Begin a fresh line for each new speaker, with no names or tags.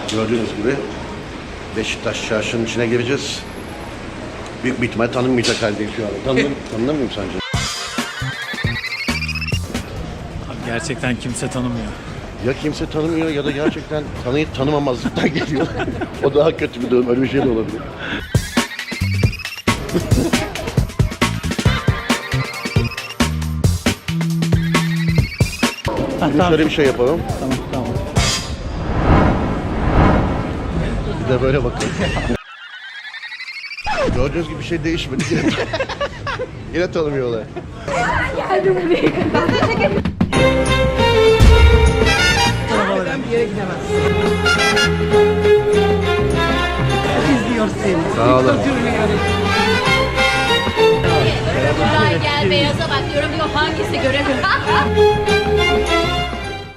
Gördüğünüz gibi Beşiktaş çarşının içine gireceğiz. Büyük bir ihtimal tanınmayacak haldeyim şu anda. Tanınır mıyım sence?
Abi gerçekten kimse tanımıyor.
Ya kimse tanımıyor ya da gerçekten tanıyıp tanımamazlıktan geliyor. O daha kötü bir durum. Öyle bir şey de olabilir. Şimdi şöyle bir şey yapalım.
Tamam.
Bir de böyle bakalım. Gördüğünüz gibi bir şey değişmedi. Yine tanımıyorlar.
Geldim buraya kadar. Ben bir yere gidemezsin. İzliyor seni.
Sağ olun.
Gel beyaza bak diyorum diyor hangisi göremiyorum.